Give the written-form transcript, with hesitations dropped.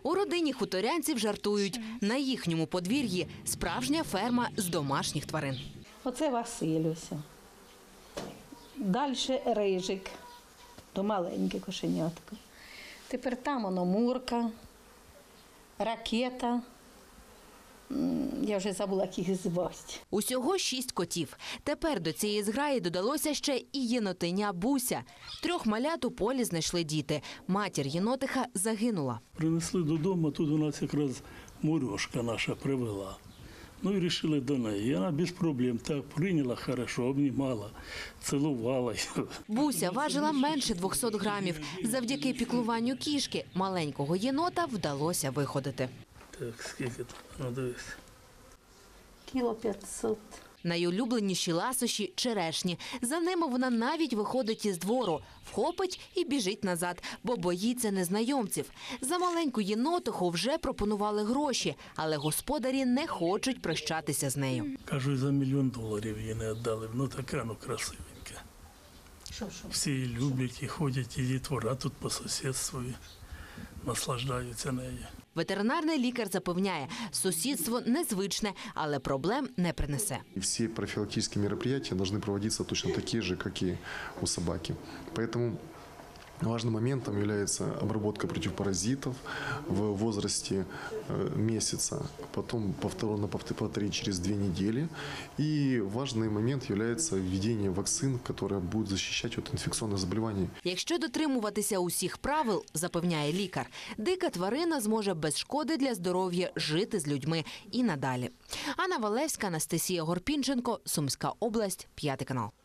У родині хуторянців жартують. На їхньому подвір'ї справжня ферма з домашніх тварин. Оце Василюся. Далі Рижик, то маленьке кошенятко. Тепер там воно Мурка, Ракета. Я вже забула, як їх звати. Усього 6 котів. Тепер до цієї зграї додалося ще і єнотиня Буся. 3 малят у полі знайшли діти. Матір єнотиха загинула. Принесли додому, тут у нас якраз Мурьошка наша привела. Ну і вирішили до неї. І вона без проблем так прийняла хорошо, обнімала, цілувала. Буся важила менше 200 грамів. Завдяки піклуванню кішки маленького єнота вдалося виходити. Так, скільки тут? Ну, дивись. Кіло 500. Найулюбленіші ласощі – черешні. За ними вона навіть виходить із двору, вхопить і біжить назад, бо боїться незнайомців. За маленьку єнотиху вже пропонували гроші, але господарі не хочуть прощатися з нею. Кажу, за $1 мільйон їй не віддали. Ну така, ну красивенька. Що? Всі її люблять і ходять, і дітвора тут по сусідству, і наслаждаються нею. Ветеринарний лікар запевняє, сусідство незвичне, але проблем не принесе. Все профилактические мероприятия должны проводиться точно такие же, как и у собаки. Поэтому важным моментом является обработка против паразитов в возрасте месяца, потом повторить через 2 недели. И важный момент является введение вакцин, которые будут защищать от инфекционных заболеваний. Якщо дотримуватися усіх правил, запевняє лікар, дика тварина зможе без шкоди для здоров'я жити з людьми і надалі. Анна Валевська, Анастасія Горпінченко, Сумська область, 5 канал.